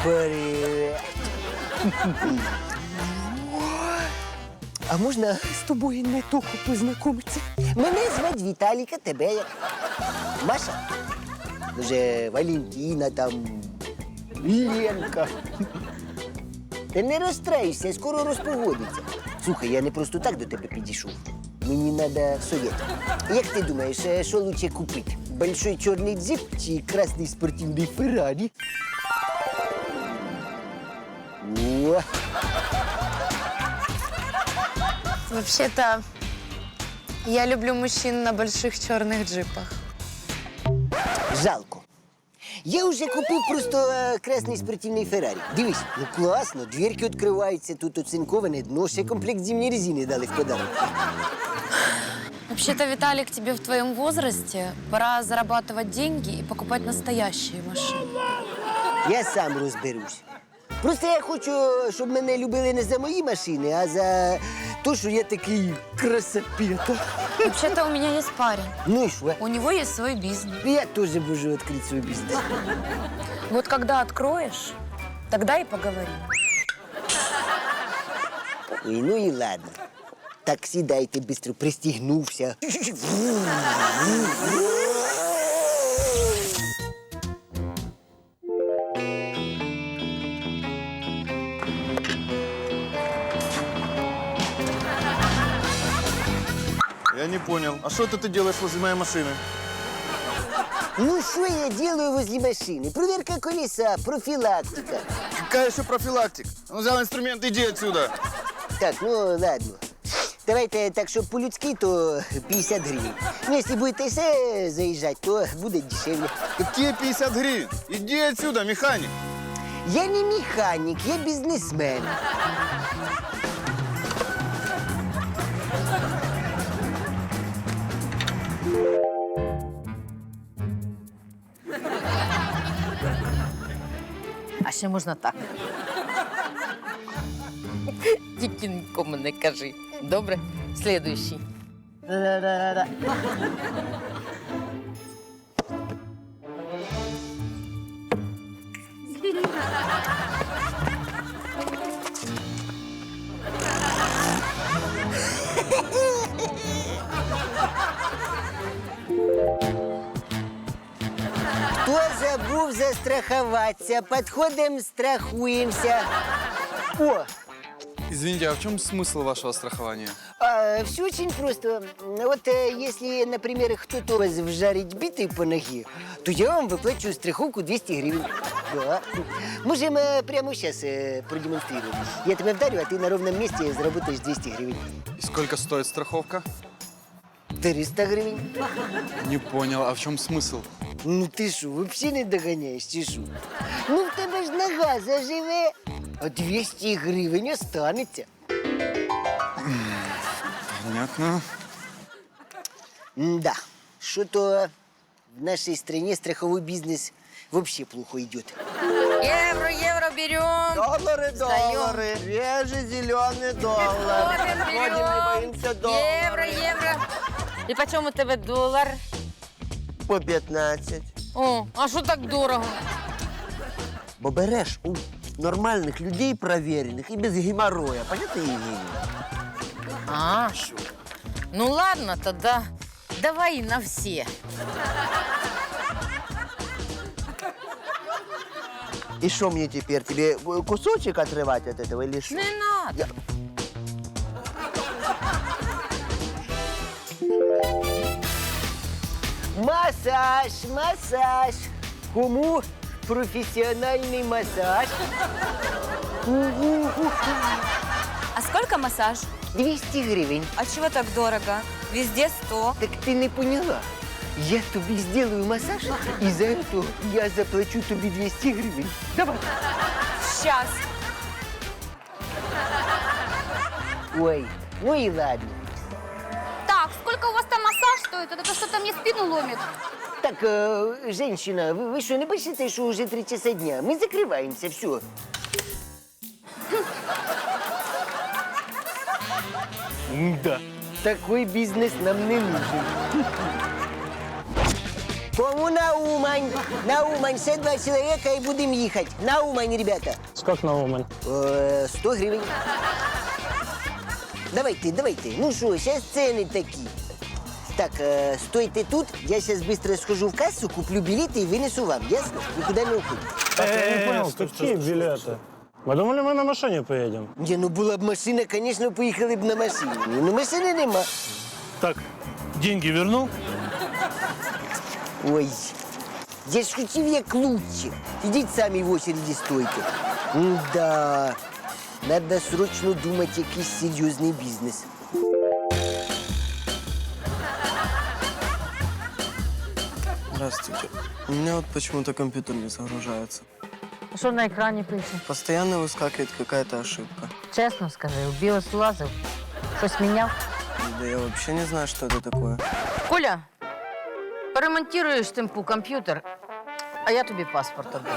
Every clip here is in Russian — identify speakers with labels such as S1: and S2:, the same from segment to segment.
S1: Привет. А можна з тобою не тільки познайомитися? Мене звати Віталіка, тебе як? Маша? Може, Валентина там, Ленка. Ти не розстраюйся, скоро розпогодиться. Слухай, я не просто так до тебе підійшов. Мені треба совет. Як ти думаєш, що лучше купити? Большой чорний джип чи красний спортивний Феррарі? О!
S2: Вообще-то, я люблю мужчин на больших черных джипах.
S1: Жалко. Я вже купив просто красний спортивний Феррарі. Дивись, ну класно, дверки відкриваються, тут оцинковане дно, ще комплект зимньої резини дали в подарунок.
S2: Вообще-то, Виталик, тебе в твоем возрасте пора зарабатывать деньги и покупать настоящие машины.
S1: Я сам розберусь. Просто я хочу, щоб мене любили не за мої машини, а за те, що я такий красопета.
S2: Вообще-то, у меня есть парень.
S1: Ну і що?
S2: У него есть свой бизнес.
S1: Я теж можу відкрити свій бізнес.
S2: Вот когда откроешь, тогда и поговорим.
S1: Ой, ну і ладно. Так сідайте, бистро пристігнувся.
S3: Я не понял. А что это ты делаешь возле моей машины?
S1: Ну, що я делаю возле машини? Проверка колеса, профілактика.
S3: Какая еще профилактика? Он взял инструмент, иди отсюда.
S1: Так, ну ладно. Давайте так, щоб по-людськи, то 50 гривень. Ну, якщо будете ще заїжджати, то буде дешевле.
S3: Какие 50 гривен? Иди отсюда, механик.
S1: Я не механік, я бізнесмен.
S4: А ще можна так. Тільки нікому не кажи. Добре? Слідуючий.
S1: Хто забув застрахуватися? Підходимо, страхуємося. О,
S5: Извините, а в чем смысл вашего страхования?
S1: все очень просто. Вот если, например, кто-то вас вжарить битой по ноге, то я вам выплачиваю страховку 200 гривен. Да. Можем прямо сейчас продемонстрировать. Я тебя вдарю, а ты на ровном месте заработаешь 200 гривен.
S5: И сколько стоит страховка?
S1: 300 гривен.
S5: Не понял, а в чем смысл?
S1: Ну ти що, взагалі не доганяєш, чи що? Ну в тебе ж нога заживе, а 200 гривень останеться.
S5: Понятно.
S1: Да, что-то в нашей стране страховой бизнес вообще плохо идет.
S4: Євро берем.
S6: Доллары, доллары, свежий зеленый доллар. Ходим, не боимся доллара.
S4: Євро. І по чому у тебе долар?
S6: По 15.
S4: О, а що так дорого?
S6: Бо береш у нормальних людей провірених і без геморроя. Понятно, Євгенія?
S4: А, ну ладно, тогда давай на все.
S6: И что мне теперь? Тебе кусочек отрывать от этого или что?
S4: Не надо.
S1: Массаж, массаж. Кому профессиональный массаж?
S7: А сколько массаж?
S1: 200 гривен.
S7: А чего так дорого? Везде 100.
S1: Так ты не поняла. Я тебе сделаю массаж, и за это я заплачу тебе 200 гривен. Давай.
S7: Сейчас.
S1: Ой, ну и ладно.
S8: Так, сколько у вас там массаж стоит? Это что-то мне спину ломит.
S1: Так, женщина, вы что, не боитесь, что уже 3 часа дня? Мы закрываемся, все. Да, такой бизнес нам не нужен. Кому на Умань? На Умань, все 2 человека и будем ехать. На Умань, ребята.
S9: Сколько на Умань?
S1: 100 гривен. Давайте. Ну что, сейчас цены такие. Так, стойте тут, я сейчас быстро схожу в кассу, куплю билеты и вынесу вам, ясно? Никуда не уходите.
S9: Я не понял, какие билеты? Мы думали, мы на машине поедем.
S1: Не, ну була б машина, конечно, поїхали б на машині. Ну, машини нема.
S9: Так, деньги вернул?
S1: Ой, я ж хотів як лучше. Ідіть самі в очереді стойте. Да, надо срочно думати якийсь серйозний бізнес.
S10: Здравствуйте. У меня вот почему-то компьютер не загружается.
S4: Що на екрані пише?
S10: Постоянно выскакивает какая-то ошибка.
S4: Чесно скажи, в BIOS лазив, щось міняв.
S10: Да я вообще не знаю, что это такое.
S4: Коля, поремонтуєш тимпу комп'ютер, а я тобі паспорт віддам.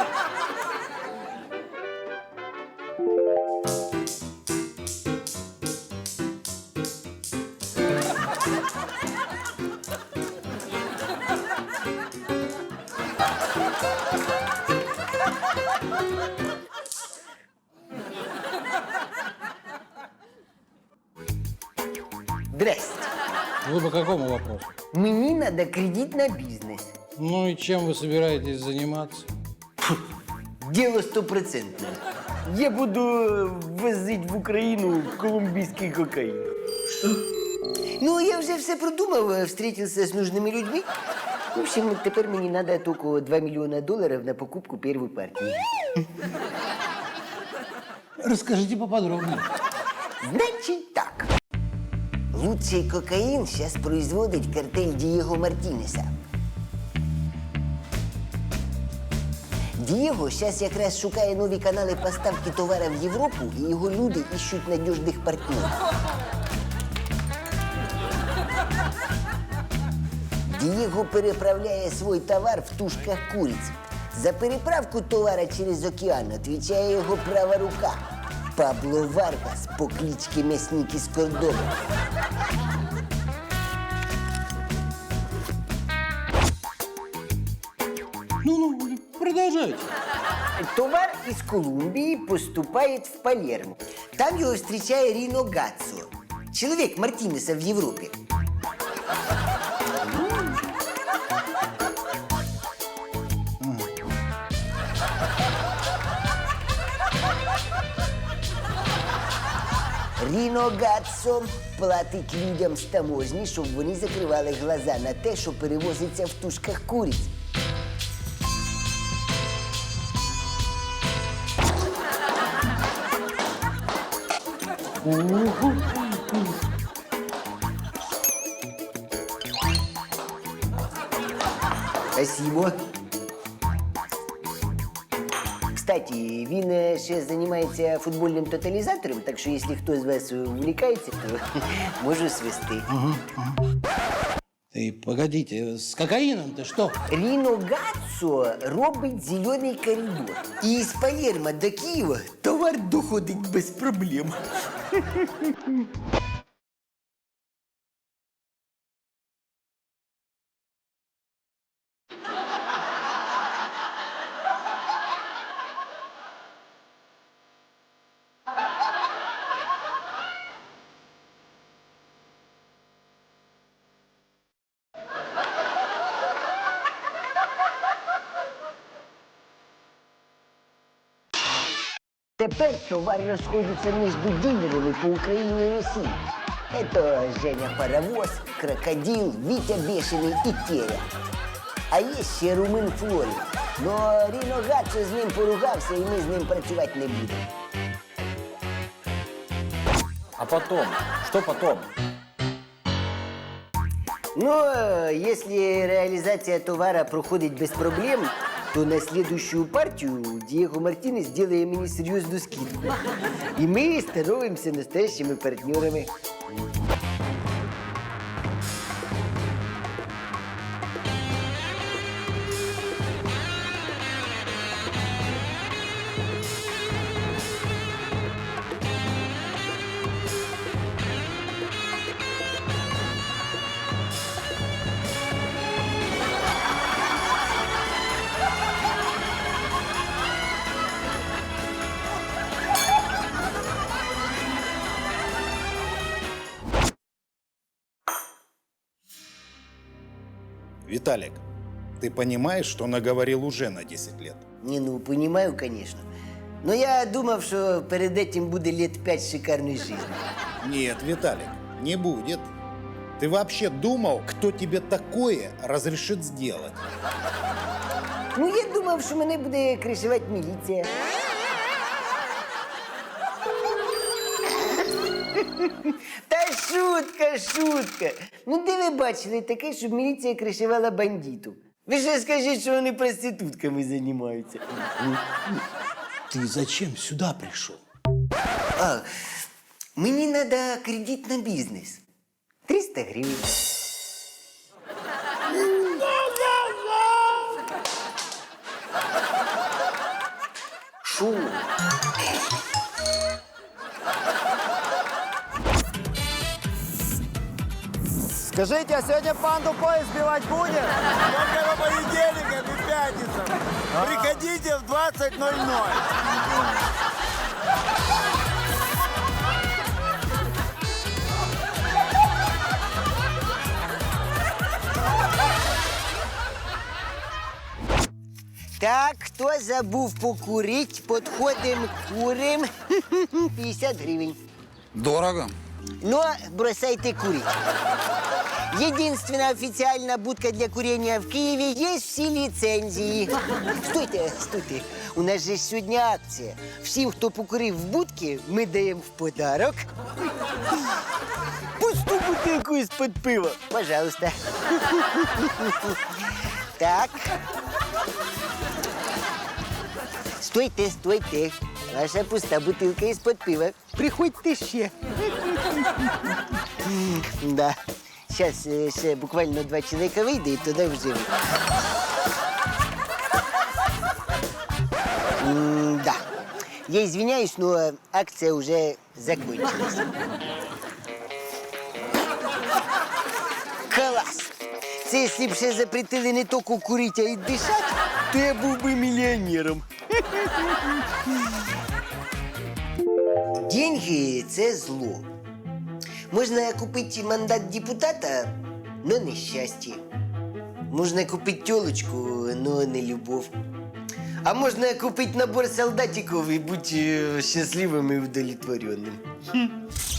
S1: Здрасте.
S11: Вы по какому вопросу?
S1: Мені надо кредит на бізнес.
S11: Ну и чем вы собираетесь заниматься?
S1: Діло 100%. Я буду возити в Україну колумбійський кокаїн. Що? Ну, я вже все продумав, встретився з нужними людьми. В общем, тепер мені треба тільки $2 мільйона на покупку першої партії.
S11: Расскажите поподробнее.
S1: Значить так. Лучший кокаїн зараз производить картель Дієго Мартінеса. Дієго зараз якраз шукає нові канали поставки товару в Європу, і його люди іщуть надіжних партнерів. Дієго переправляє свій товар в тушках куриць. За переправку товара через океан відповідає його права рука Пабло Варгас по кличці М'ясник із Кордоба.
S11: Ну, продолжайте.
S1: Товар із Колумбії поступає в Палермо. Там його зустрічає Ріно Гаццо, чоловік Мартінеса в Європі. Ріно Гаццо платить людям з таможні, щоб вони закривали глаза на те, що перевозиться в тушках куриць. Спасибо. Кстати, він ще займається футбольним тоталізатором, так що якщо хтось з вас увлікається, то можу свести.
S11: Ты погодите, с кокаином-то что?
S1: Ріно Гаццо робить зелений коридор. І з Палермо до Києва товар доходить без проблем. Тепер товар розходиться між дилерами по Україні і Росії. Это Женя Паровоз, Крокодил, Витя Бешеный и Теря. А є ще Румин Флорі. Но Ріно Гаццо з ним поругався, і ми з ним працювати не будемо.
S12: А потом? Что потом?
S1: Ну, если реализация товара проходит без проблем, то на следующую партию Диего Мартинес делает мне серьезную скидку. И мы становимся настоящими партнерами.
S12: Виталик, ты понимаешь, что наговорил уже на 10 лет?
S1: Не, ну, понимаю, конечно. Но я думав, что перед этим будет лет 5 шикарной жизни.
S12: Нет, Виталик, не будет. Ты вообще думал, кто тебе такое разрешит сделать?
S1: Ну, я думав, що мене буде кришувати міліція. Та шутка, шутка. Ну, де ви бачили таке, щоб міліція кришувала бандитів? Ви ще скажіть, що вони проститутками займаються.
S11: Ты зачем сюда пришел?
S1: А, мені треба кредит на бізнес. 300 гривень. Шо?
S6: Скажите, а сегодня панду поезд сбивать будет?
S3: Только по понедельникам и пятницам. Приходите в 20:00.
S1: Так, хто забув покурить, подходим, курим. 50 гривень.
S5: Дорого.
S1: Но бросайте курить. Единственная официальная будка для курения в Киеве, есть все лицензии. Стойте, стойте. У нас же сегодня акция. Всем, кто покурив в будке, мы даем в подарок пустую бутылку из-под пива. Пожалуйста. Так. Стойте, стойте. Ваша пуста бутылка из-под пива. Приходьте ще. Да. Сейчас ще буквально 2 человека вийде і туди вже. Да. Я извиняюсь, но акция уже закончилась. Класс! Це якщо б ще запретили не тільки курити, а й дишати, то я був би мільйонером. Деньги – це зло. Можна купити мандат депутата, но не щастя. Можна купити тілочку, но не любов. А можна купити набор солдатиків і бути щасливим і удовлетворенним.